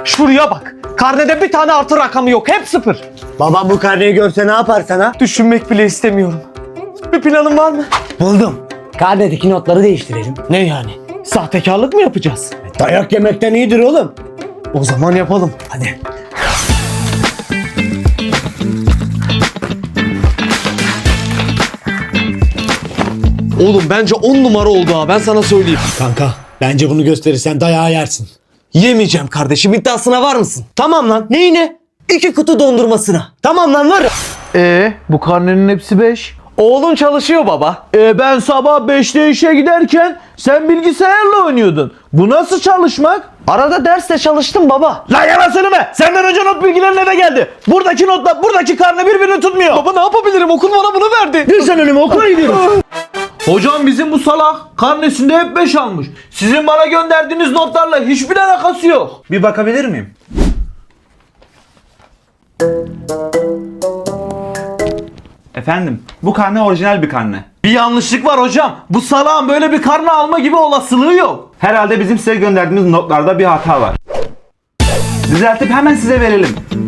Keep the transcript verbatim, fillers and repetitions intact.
Şuraya bak. Karnede bir tane artı rakamı yok. Hep sıfır. Babam bu karneyi görse ne yapar sana? Düşünmek bile istemiyorum. Bir planın var mı? Buldum. Karnedeki notları değiştirelim. Ne yani? Sahtekarlık mı yapacağız? Dayak yemekten iyidir oğlum. O zaman yapalım. Hadi. Oğlum bence on numara oldu ha. Ben sana söyleyeyim. Kanka bence bunu gösterirsen dayağı yersin. Yemeyeceğim kardeşim. İddiasına var mısın? Tamam lan. Neyine? İki kutu dondurmasına. Tamam lan var. Ee, bu karnenin hepsi beş. Oğlun çalışıyor baba. E ben sabah beşte işe giderken sen bilgisayarla oynuyordun. Bu nasıl çalışmak? Arada derste çalıştım baba. Lan yalan söyleme. Senden önce not bilgilerin eve geldi. Buradaki notla buradaki karne birbirini tutmuyor. Baba ne yapabilirim? Okul bana bunu verdi. Dur sen önüme okula gidiyoruz. Hocam bizim bu salak karnesinde hep beş almış. Sizin bana gönderdiğiniz notlarla hiçbir alakası yok. Bir bakabilir miyim? Efendim, bu karne orijinal bir karne. Bir yanlışlık var hocam. Bu salağın böyle bir karne alma gibi olasılığı yok. Herhalde bizim size gönderdiğimiz notlarda bir hata var. Düzeltip hemen size verelim.